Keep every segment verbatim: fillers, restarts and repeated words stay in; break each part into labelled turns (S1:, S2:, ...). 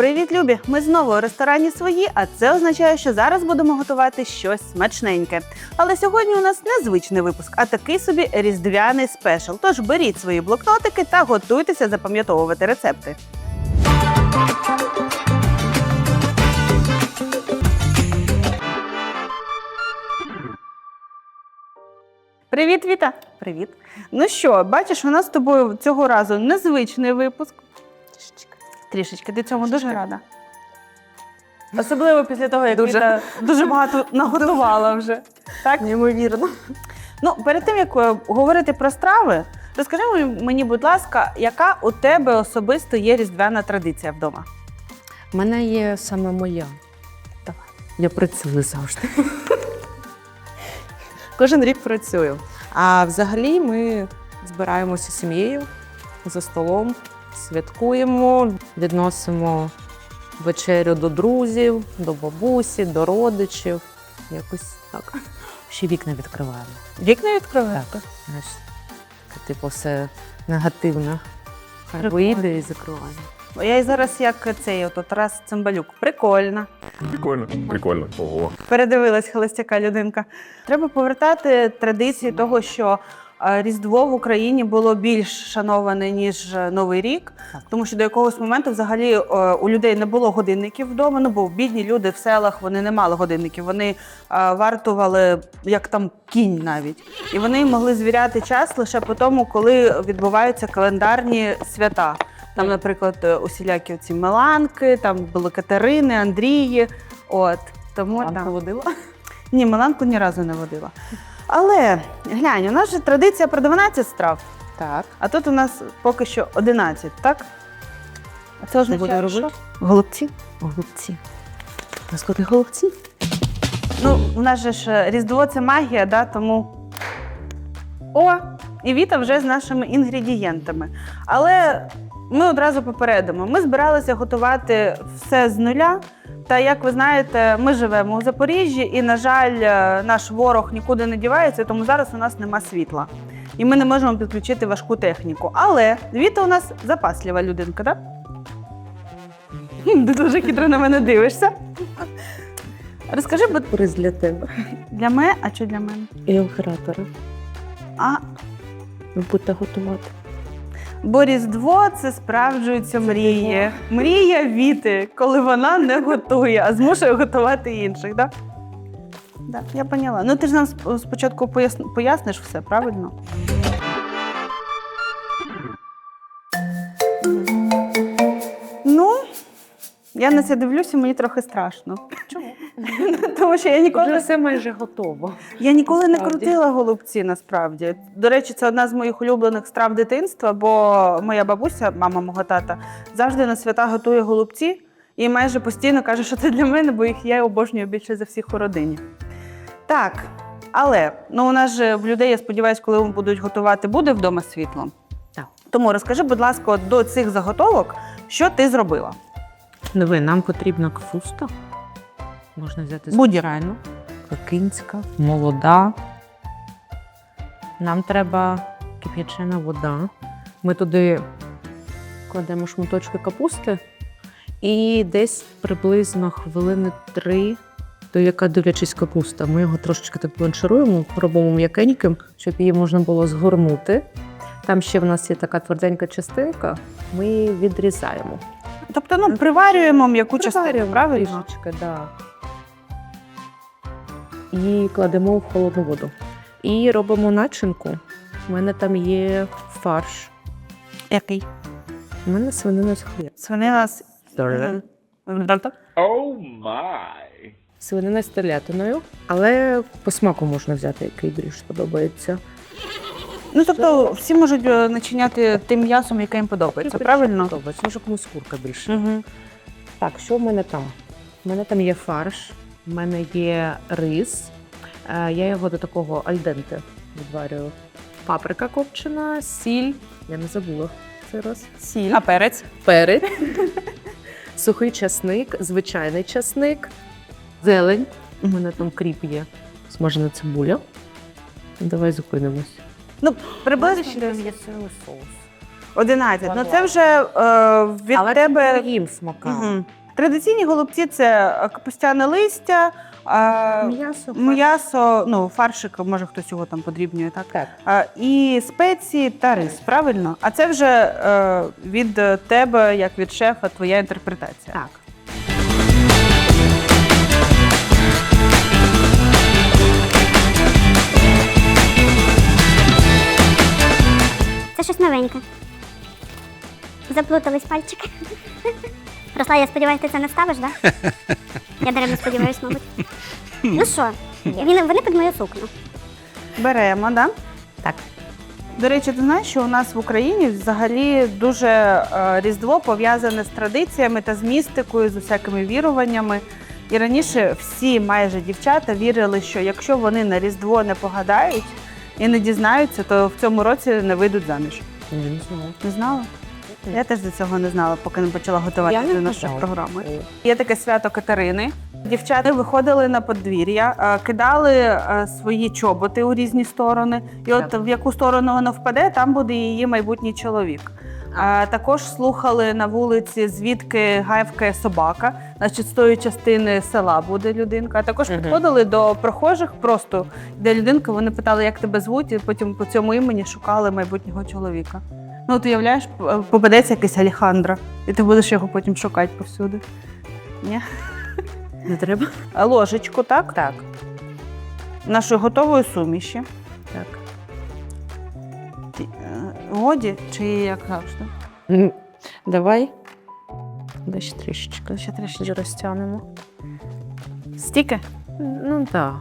S1: Привіт, любі! Ми знову у ресторані «Свої», а це означає, що зараз будемо готувати щось смачненьке. Але сьогодні у нас незвичний випуск, а такий собі різдвяний спешл. Тож беріть свої блокнотики та готуйтеся запам'ятовувати рецепти. Привіт, Віта! Привіт! Ну що, бачиш, у нас з тобою цього разу незвичний випуск. Трішечки. Трішечки. Ти цьому дуже рада? Особливо після того, як
S2: Дуже.
S1: Віта дуже багато наготувала вже. Так?
S2: Неймовірно.
S1: Ну, перед тим, як е, говорити про страви, розкажи мені, будь ласка, яка у тебе особисто є різдвяна традиція вдома?
S2: У мене є саме моя.
S1: Давай.
S2: Я працюю завжди. Кожен рік працюю. А взагалі ми збираємося з сім'єю за столом, святкуємо, відносимо вечерю до друзів, до бабусі, до родичів. Якось так. Ще вікна відкриваємо.
S1: Вікна відкриваєш?
S2: Знаєш, таке, типу, все негативне. Хай
S1: Прикольно.
S2: вийде і закриваємо.
S1: Я і зараз як цей от Тарас Цимбалюк. Прикольно.
S3: Прикольно, прикольно. Ого.
S1: Передивилась холостяка людинка. Треба повертати традиції того, що е, Різдво в Україні було більш шановане, ніж Новий рік.
S2: Так.
S1: Тому що до якогось моменту взагалі е, у людей не було годинників вдома, ну бо бідні люди в селах, вони не мали годинників, вони е, вартували як там кінь навіть. І вони могли звіряти час лише по тому, коли відбуваються календарні свята. Там, наприклад, усілякі ці Меланки, там були Катерини, Андрії. От. Тому,
S2: Мамка
S1: да.
S2: водила?
S1: Ні, Меланку ні разу не водила. Але, глянь, у нас же традиція про дванадцять страв,
S2: Так.
S1: а тут у нас поки що одинадцять, так? А це означає,
S2: Буде робити?
S1: що? Голубці.
S2: Голубці. У нас коли голубці?
S1: Ну, у нас же ж Різдво – це магія, да, тому… О, і Віта вже з нашими інгредієнтами. Але ми одразу попередимо, ми збиралися готувати все з нуля. Та, як ви знаєте, ми живемо у Запоріжжі і, на жаль, наш ворог нікуди не дівається, тому зараз у нас нема світла. І ми не можемо підключити важку техніку. Але Віта у нас запаслива людинка, так? Ти дуже хитро на мене дивишся. Розкажи, будь
S2: Приз для тебе.
S1: для мене, а що для мене?
S2: І оператора.
S1: А,
S2: Ви будете готувати.
S1: бо Різдво – це справджуються мрії. Мрія Віти, коли вона не готує, а змушує готувати інших, так? Да? Да, я поняла. Ну ти ж нам сп- спочатку поясни, поясниш все, правильно? Ну, я на це дивлюся, мені трохи страшно.
S2: Чому?
S1: Тому що я ніколи
S2: Вже все майже готово.
S1: Я ніколи не
S2: Насправді.
S1: крутила голубці, насправді. До речі, це одна з моїх улюблених страв дитинства, бо моя бабуся, мама мого тата, завжди на свята готує голубці і майже постійно каже, що це для мене, бо їх я обожнюю більше за всіх у родині. Так, але ну, у нас же в людей, я сподіваюся, коли вони будуть готувати, буде вдома світло.
S2: Так.
S1: Тому розкажи, будь ласка, от до цих заготовок, що ти зробила?
S2: Диви, нам потрібна капуста. Можна взяти
S1: Будь-яку.
S2: пекинська, молода. Нам треба кип'ячена вода. Ми туди кладемо шматочки капусти і десь приблизно хвилини три, до яка дивлячись капуста. Ми його трошечки так бланшируємо, робимо м'якеньким, щоб її можна було згорнути. Там ще в нас є така тверденька частинка, ми її відрізаємо.
S1: Тобто, ну, приварюємо м'яку частину, правильно?
S2: Трішечки, да. І кладемо в холодну воду. І робимо начинку. У мене там є фарш.
S1: Який?
S2: У мене свинина з хліб.
S1: Свинина з…
S3: Oh my.
S2: Свинина з телятиною, але по смаку можна взяти, який більш подобається.
S1: Ну, тобто, всі можуть е, начиняти тим м'ясом, яке їм подобається, правильно?
S2: Подобається. Може, комусь курка більше.
S1: Угу.
S2: Так, що в мене там? У мене там є фарш, в мене є рис. Е, Я його до такого альденте відварюю. Паприка копчена, сіль. Я не забула цей раз.
S1: Сіль.
S2: А перець? Перець. Сухий часник, звичайний часник, зелень. У мене там кріп є. Смажена цибуля. Давай зупинимось.
S1: Ну, приблизно.
S2: Ще є соус.
S1: одинадцять. Ну це вже е, від
S2: Але
S1: тебе.
S2: це їм смака.
S1: Угу. Традиційні голубці це е, капустяне листя, е,
S2: М'ясо.
S1: м'ясо, ну, фаршик, може хтось його там подрібнює, так?
S2: Так.
S1: Е, і спеції та рис, правильно? А це вже е, від тебе, як від шефа, твоя інтерпретація.
S2: Так.
S4: Це щось новеньке. Заплутались пальчики. Росла, я сподіваюся, ти це не ставиш, так? Да? Я даремно сподіваюся, мабуть. Ну що, він- вони під мою сукню.
S1: Беремо, да?
S2: Так.
S1: До речі, ти знаєш, що у нас в Україні взагалі дуже е, Різдво пов'язане з традиціями та з містикою, з усякими віруваннями. І раніше всі майже дівчата вірили, що якщо вони на Різдво не погадають і не дізнаються, то в цьому році не вийдуть заміж.
S2: Не знаю.
S1: Не знала? Я теж до цього не знала, поки не почала готуватися
S2: Я
S1: до
S2: не
S1: нашої
S2: знала.
S1: програми. Є таке свято Катерини. Дівчата виходили на подвір'я, е, кидали е, свої чоботи у різні сторони. І от
S2: Так.
S1: в яку сторону вона впаде, там буде її майбутній чоловік. А також слухали на вулиці, звідки гавкає собака, значить, з тої частини села буде людинка. А також
S2: Мгм.
S1: підходили до прохожих, просто де людинка, вони питали, як тебе звуть, і потім по цьому імені шукали майбутнього чоловіка. Ну, от уявляєш, п- попадеться якийсь Алехандро, і ти будеш його потім шукати повсюди. Ні?
S2: Не треба?
S1: А ложечку, так?
S2: Так.
S1: Нашої готової суміші.
S2: Так.
S1: Ті- е, Годі чи як завжди?
S2: М, Давай. Дай ще трішечки.
S1: Ще трішечки.
S2: Ще розтягнемо.
S1: Стільки?
S2: Ну так.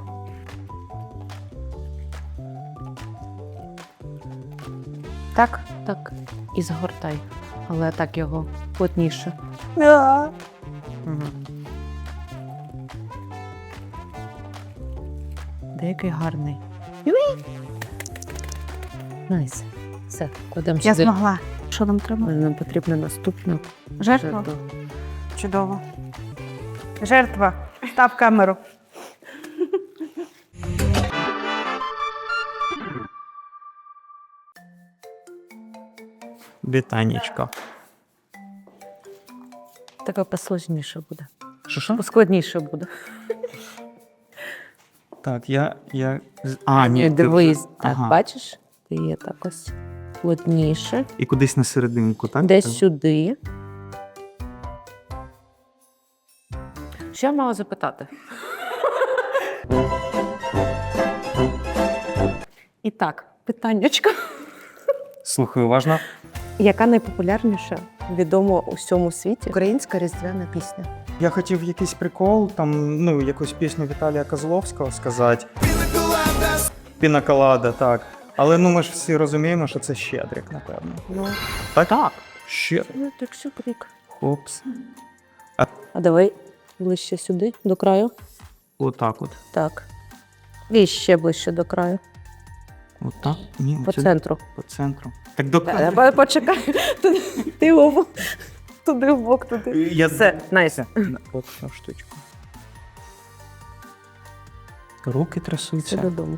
S1: Так.
S2: Так. І згортай. Але так його плотніше.
S1: Да.
S2: Угу. Деякий гарний. Найс. Все, кладемо
S1: Я
S2: сюди.
S1: змогла. Що нам треба?
S2: Нам потрібна наступна
S1: Жертва?
S2: жертва.
S1: Чудово. Жертва. Став камеру.
S5: Вітанечко.
S2: Така посложніше буде.
S5: Що що?
S2: Поскладніше буде.
S5: Так, я. я... з- А, ні. ти-
S2: Дивись, так,
S5: Ага.
S2: бачиш? Ти є так ось плотніше.
S5: І кудись на серединку, так?
S2: Десь сюди. Що я мала запитати? І так, питаннячко.
S5: Слухай, уважно.
S2: Яка найпопулярніша, відома у всьому світі українська різдвяна пісня?
S5: Я хотів якийсь прикол, там, ну, якусь пісню Віталія Козловського сказати. Пінаколада, так. Але ну ми ж всі розуміємо, що це Щедрик, напевно.
S2: Ну,
S5: Так?
S2: так.
S5: Щедрик.
S2: Ну, так сюрик.
S5: Хопс.
S2: А давай ближче сюди, до краю.
S5: Отак от.
S2: Так. І ще ближче до краю.
S5: Отак. Ні,
S2: По
S5: сюди.
S2: центру.
S5: По центру. Так до
S2: Е, Почекай. Туди- Ти обу. Туди в бок, туди.
S5: Я...
S2: Все, найс.
S5: От цю штучку. Руки
S2: Це
S5: трясуться.
S2: додому.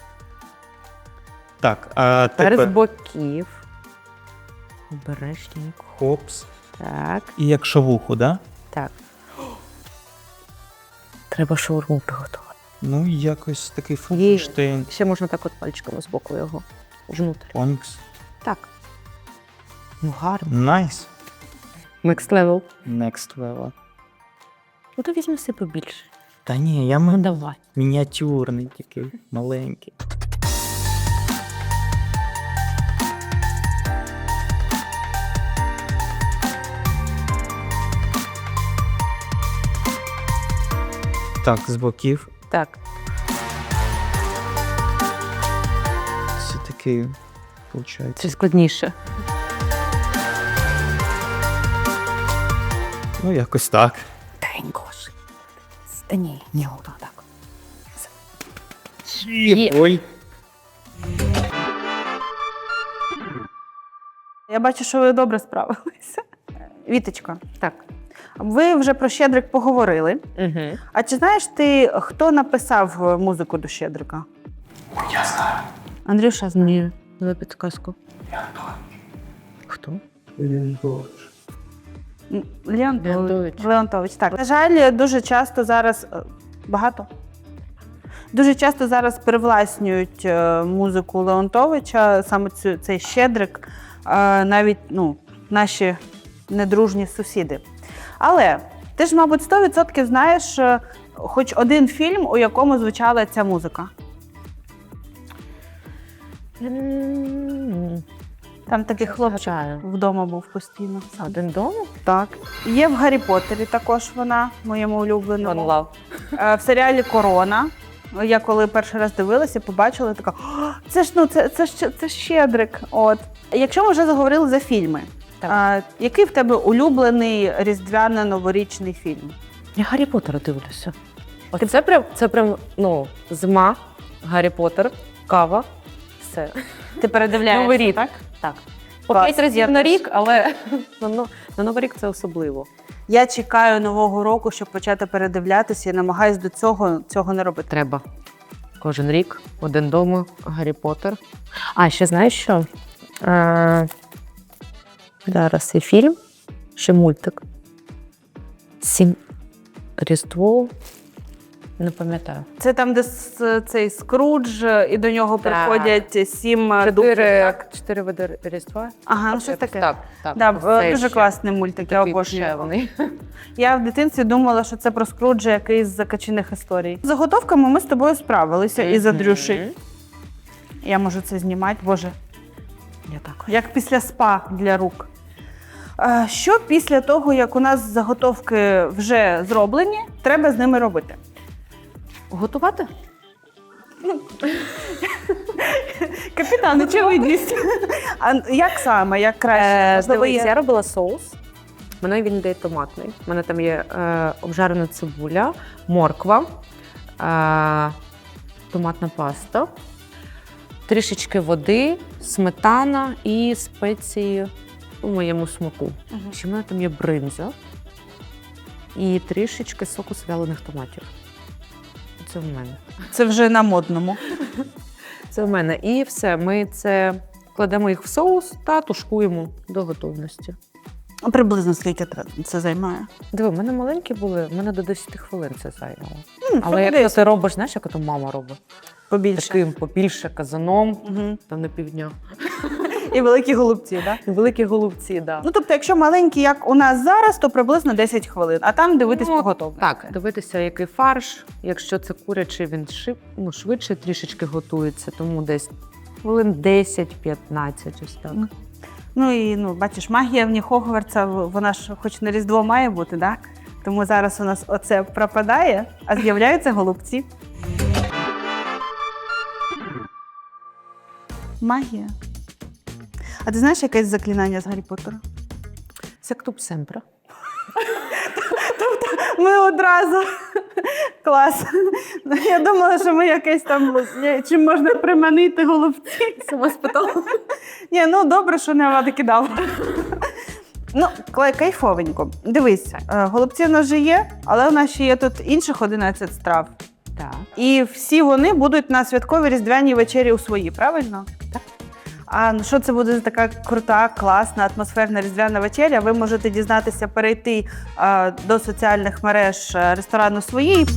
S5: Так, а
S2: Тепер з
S5: тепер
S2: боків. Обережненько.
S5: хопс.
S2: Так,
S5: І як шавуху, да?
S2: так. Треба шаурму приготувати.
S5: Ну, якось такий
S2: Є.
S5: функштейн.
S2: Ще можна так от пальчиками з боку його внутрі.
S5: Онікс.
S2: Так. Ну, гарно.
S5: Найс.
S2: Next level.
S5: Next level.
S2: Ну, то візьми себе побільше.
S5: Та ні, я
S2: Ну,
S5: м-
S2: давай.
S5: мініатюрний такий, маленький. Так, з боків.
S2: Так.
S5: Це такий, виходить.
S2: Це складніше.
S5: Ну, якось так.
S2: Тенько ж. Та ні, ні, отак. так.
S5: Ой.
S1: Я бачу, що ви добре справилися. Віточка,
S2: Так.
S1: ви вже про Щедрик поговорили.
S2: Угу.
S1: А чи знаєш ти, хто написав музику до Щедрика?
S5: Я знаю.
S1: Андрюша знає.
S2: Ні, давай підказку. Хто?
S1: М, Леонтович.
S2: Леонтович.
S1: Леонтович, так. На жаль, дуже часто зараз е, багато. Дуже часто зараз перевласнюють е, музику Леонтовича, саме цю, цей щедрик, е, навіть ну, наші недружні сусіди. Але ти ж, мабуть, сто відсотків знаєш е, хоч один фільм, у якому звучала ця музика.
S2: М,
S1: Там такий хлопчик
S2: Згадаю.
S1: вдома був постійно.
S2: Один дома?
S1: Так. Є в Гаррі Поттері також вона, моєму улюбленому.
S2: One Love.
S1: Е, В серіалі Корона. Я коли перший раз дивилася, побачила, така, «О, це ж ну це, це, ж- це ж щедрик. От. Якщо ми вже заговорили за фільми,
S2: Так.
S1: а, який в тебе улюблений різдвяно-новорічний фільм?
S2: Я Гаррі Поттера дивлюся. От це прям, це прям, ну, зима, Гаррі Поттер, кава, все.
S1: Ти передивляєшся,
S2: Новий рік.
S1: так?
S2: Так. По
S1: Клас.
S2: п'ять разів
S1: Я
S2: на
S1: теж.
S2: рік, але на, но- на Новий рік це особливо.
S1: Я чекаю Нового року, щоб почати передивлятися і намагаюсь до цього, цього не робити.
S2: Треба. Кожен рік, один дома, Гаррі Поттер. А, ще знаєш що? Е, зараз є фільм, ще мультик. Сім Різдво. Не пам'ятаю.
S1: Це там, де с- цей Скрудж, і до нього
S2: Так.
S1: приходять сім духів.
S2: Чотири,
S1: так?
S2: чотири види Різдва.
S1: Ага, ну щось таке.
S2: Так, так.
S1: Да,
S2: Це
S1: дуже
S2: ще
S1: класний мультик, я
S2: такий
S1: обожнюю.
S2: душевний.
S1: Я в дитинстві думала, що це про Скруджа якийсь з закачених історій. З заготовками ми з тобою справилися і за Дрюші. Я можу це знімати, боже,
S2: Я так.
S1: як після спа для рук. Е, Що після того, як у нас заготовки вже зроблені, треба з ними робити?
S2: Готувати?
S1: Капітан, очевидність. А як саме, як краще?
S2: Е,
S1: Можливо,
S2: дивись,
S1: є-
S2: я робила соус. У мене він йде томатний. У мене там є е, обжарена цибуля, морква, е, томатна паста, трішечки води, сметана і спеції у моєму смаку.
S1: Мгм.
S2: Ще в мене там є бринза і трішечки соку з вялених томатів. Це в мене.
S1: Це вже на модному.
S2: Це в мене. І все. Ми це кладемо їх в соус та тушкуємо до готовності.
S1: А приблизно скільки треба це займає?
S2: Диви, в мене маленькі були, в мене до десять хвилин це зайняло.
S1: М,
S2: Але
S1: десь
S2: якщо ти робиш, знаєш, як ото мама робить?
S1: побільше.
S2: Таким побільше казаном,
S1: Мгм.
S2: там на півдня.
S1: І великі голубці, так?
S2: І великі голубці, так. Да.
S1: Ну, тобто, якщо маленькі, як у нас зараз, то приблизно десять хвилин, а там дивитись
S2: Ну,
S1: по готовності.
S2: Так, дивитися, який фарш. Якщо це курячий, він шиб, ну, швидше трішечки готується, тому десь хвилин десять-п'ятнадцять, ось так.
S1: Ну, Ну і ну, бачиш, магія в ній Хогвартса, в- вона ж хоч на Різдво має бути, так? Тому зараз у нас оце пропадає, а з'являються голубці. Магія. А ти знаєш якесь заклинання з Гаррі Поттера?
S2: Сектуб семпра.
S1: Ми одразу. Клас. Я думала, що ми якесь там чим можна приманити голубці.
S2: Сама спитала.
S1: Ні, ну добре, що не Влада кидала. Ну, кла- кайфовенько. Дивись, е, голубці в нас вже є, але у нас ще є тут інших одинадцять страв.
S2: Так.
S1: І всі вони будуть на святковій різдвяній вечері у своїй, правильно?
S2: Так.
S1: А ну, що це буде за така крута, класна, атмосферна різдвяна вечеря? Ви можете дізнатися, перейти е, до соціальних мереж е, ресторану «Свої».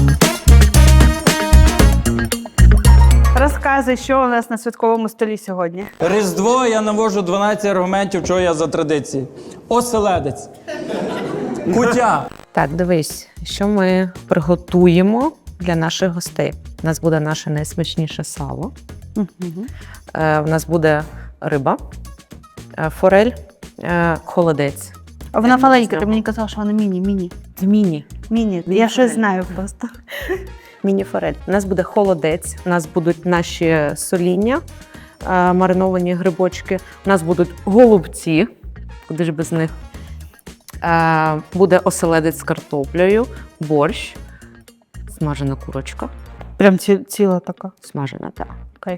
S1: Розказуй, що у нас на святковому столі сьогодні.
S6: Різдво я навожу дванадцять аргументів, чого я за традиції. Оселедець. Кутя.
S2: Так, дивись, що ми приготуємо для наших гостей. У нас буде наше найсмачніше сало. Е, у нас буде риба, е, форель, е, холодець.
S1: А вона маленька, ти мені казала, що вона міні, міні.
S2: Міні.
S1: Міні,
S2: Міні
S1: я щось
S2: форель.
S1: знаю просто.
S2: Міні-форель. У нас буде холодець, у нас будуть наші соління, е, мариновані грибочки, у нас будуть голубці, куди ж без них. Е, буде оселедець з картоплею, борщ, смажена курочка.
S1: Прям ці, ціла така.
S2: Смажена, так.
S1: Кайф.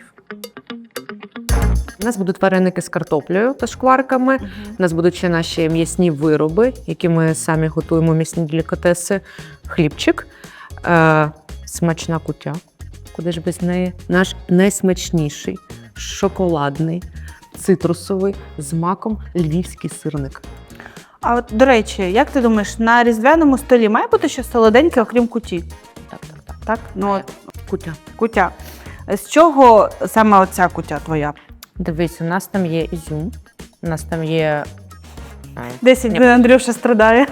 S2: У нас будуть вареники з картоплею та шкварками. У нас будуть ще наші м'ясні вироби, які ми самі готуємо, м'ясні делікатеси, хлібчик, е, смачна кутя. Куди ж без неї? Наш найсмачніший, шоколадний, цитрусовий з маком львівський сирник.
S1: А от, до речі, як ти думаєш, на різдвяному столі має бути щось солоденьке, окрім куті?
S2: Так, так, так.
S1: Так? Ну, от,
S2: Кутя.
S1: кутя. З чого саме оця кутя твоя?
S2: Дивись, у нас там є ізюм, у нас там є.
S1: Десять
S2: Ні.
S1: днів Андрюша страдає.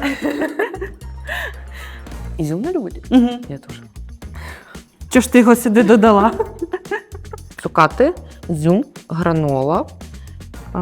S2: Ізюм не любить?
S1: Угу.
S2: Я теж.
S1: Чого ж ти його сюди додала?
S2: Цукати, ізюм, гранола. А,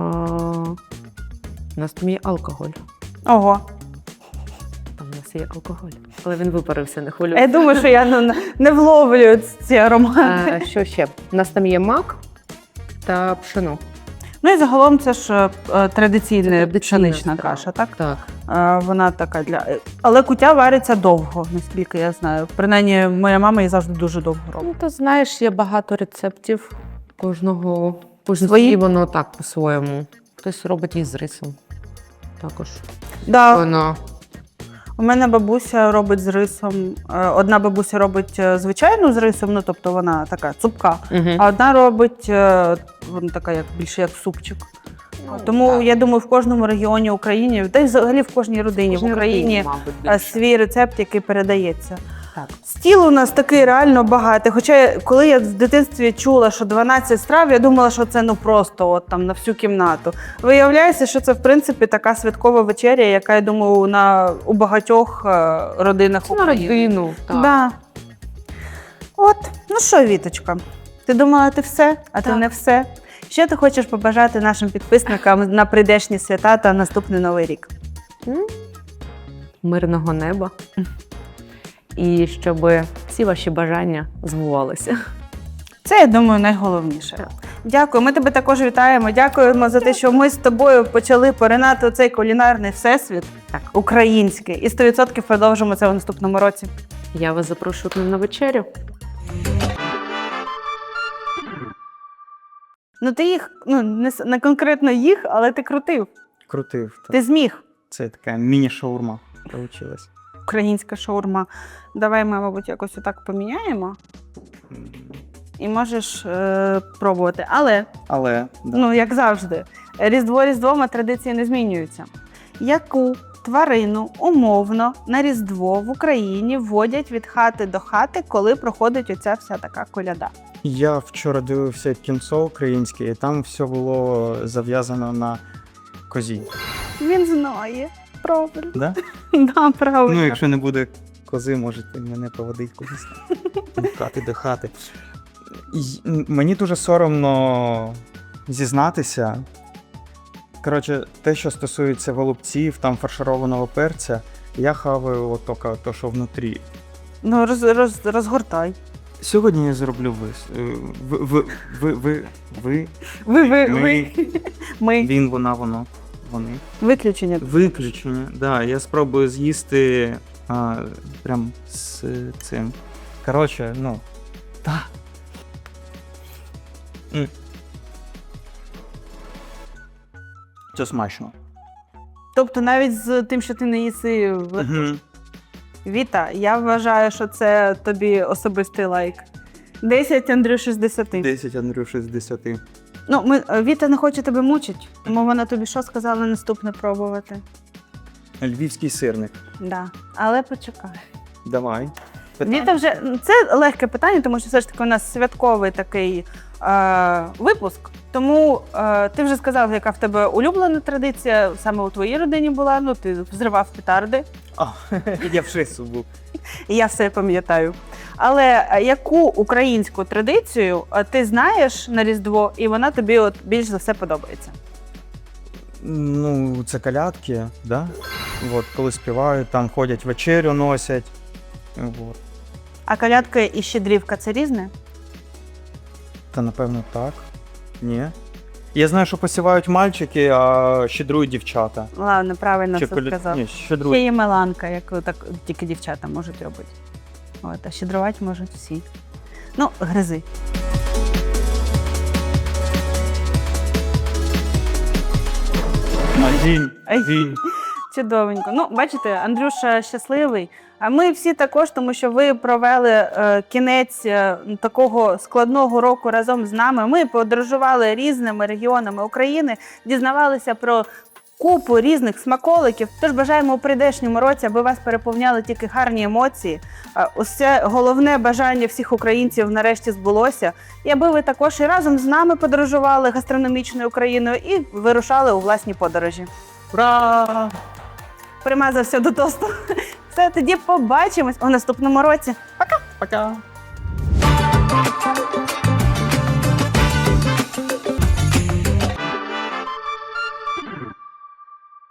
S2: у нас там є алкоголь.
S1: Ого.
S2: Там у нас є алкоголь. Але він випарився, не
S1: Я
S2: хвилюйся.
S1: думаю, що я ну, не вловлюю ці аромати.
S2: А, що ще? У нас там є мак та пшено.
S1: Ну і загалом це ж е, традиційна
S2: традиційна
S1: пшенична
S2: страва.
S1: каша, так?
S2: Так.
S1: Е, Вона така для. Але кутя вариться довго, наскільки я знаю. Принаймні, моя мама її завжди дуже довго робить.
S2: Ну, то знаєш, є багато рецептів. Кожного кожен
S1: Свої?
S2: свій, воно так по-своєму. Хтось робить її з рисом. Також.
S1: Да,
S2: Воно.
S1: у мене бабуся робить з рисом. Е, Одна бабуся робить е, звичайну з рисом, ну тобто вона така цупка,
S2: Угу.
S1: а одна робить е, вона така, як більше як супчик.
S2: Ну,
S1: Тому
S2: так.
S1: я думаю, в кожному регіоні України, та й взагалі в кожній родині в Україні е, свій рецепт, який передається.
S2: Так.
S1: Стіл у нас такий реально багатий. Хоча, коли я в дитинстві чула, що дванадцять страв, я думала, що це ну просто от там на всю кімнату. Виявляється, що це в принципі така святкова вечеря, яка, я думаю, на у багатьох е, родинах
S2: Це на
S1: України.
S2: родину. Так.
S1: Да. От, ну що, Віточка, ти думала, ти все, а ти
S2: Так.
S1: не все. Що ти хочеш побажати нашим підписникам на прийдешні свята та наступний новий рік?
S2: М? Мирного неба. І щоб всі ваші бажання збувалися.
S1: Це, я думаю, найголовніше.
S2: Так.
S1: Дякую. Ми тебе також вітаємо. Дякуємо за те, що ми з тобою почали поринати у цей кулінарний всесвіт
S2: Так.
S1: український. І сто відсотків продовжимо це у наступному році.
S2: Я вас запрошую к нам на вечерю.
S1: Ну ти їх, ну не, с- не конкретно їх, але ти крутив.
S5: Крутив.
S1: Ти
S5: Так.
S1: зміг.
S5: Це така міні-шаурма получилась.
S1: Українська шаурма. Давай ми, мабуть, якось отак поміняємо. І можеш е, пробувати. Але,
S5: Але да.
S1: ну як завжди, Різдво Різдвом, а традиції не змінюються. Яку тварину умовно на Різдво в Україні вводять від хати до хати, коли проходить оця вся така коляда?
S5: Я вчора дивився кінцо українське, і там все було зав'язано на козі.
S1: Він знає. Правильно.
S5: Да?
S1: Да, правильно.
S5: Ну, якщо не буде кози, можете мене проводити кудись від хати до хати. І мені дуже соромно зізнатися. Коротше, те, що стосується голубців, там фаршированого перця, я хаваю от тільки то, що внутрі.
S1: Ну, роз, роз, розгортай.
S5: Сьогодні я зроблю вис. е, Ви, ви, ви, ви, ви,
S1: Ви, ви,
S5: Ми.
S1: ви. Ми.
S5: він, вона, воно, вони.
S1: Виключення.
S5: Виключення, да. Я спробую з'їсти а, прям з цим. Коротше, ну. Та. М. Це смачно.
S1: Тобто навіть з тим, що ти не їси в-
S5: Угу.
S1: Віта, я вважаю, що це тобі особистий лайк. десять Андрюші з десяти.
S5: десять Андрюші з десяти.
S1: Ну, ми, Віта не хоче тебе мучить, тому вона тобі що сказала наступне пробувати?
S5: Львівський сирник.
S1: Да. Але почекай.
S5: Давай.
S1: Віта вже це легке питання, тому що все ж таки у нас святковий такий е, випуск. Тому е, ти вже сказав, яка в тебе улюблена традиція саме у твоїй родині була. Ну, ти взривав петарди,
S5: А, я в шесту був.
S1: і я все пам'ятаю. Але е, яку українську традицію е, ти знаєш на Різдво, і вона тобі от більш за все подобається?
S5: Ну, це колядки, да? От, коли співають, там ходять вечерю носять. От.
S1: А колядка і щедрівка це різне?
S5: Та напевно так. Ні. Я знаю, що посівають мальчики, а щедрують дівчата.
S1: Ладно, правильно
S5: Чи
S1: все
S5: коля-
S1: сказав.
S5: Ні,
S1: Ще
S5: щедрують.
S1: є меланка, яку так тільки дівчата можуть робити. От, а щедрувати можуть всі. Ну, гризи.
S5: А, Гінь,
S1: Ай.
S5: гінь.
S1: Чудовенько. Ну, бачите, Андрюша щасливий. А ми всі також, тому що ви провели е, кінець е, такого складного року разом з нами. Ми подорожували різними регіонами України, дізнавалися про купу різних смаколиків. Тож бажаємо у прийдешньому році, аби вас переповняли тільки гарні емоції. А усе головне бажання всіх українців нарешті збулося. І аби ви також і разом з нами подорожували гастрономічною Україною і вирушали у власні подорожі.
S5: Ура!
S1: Примазався до тосту. Все, тоді побачимось у наступному році.
S5: Пока!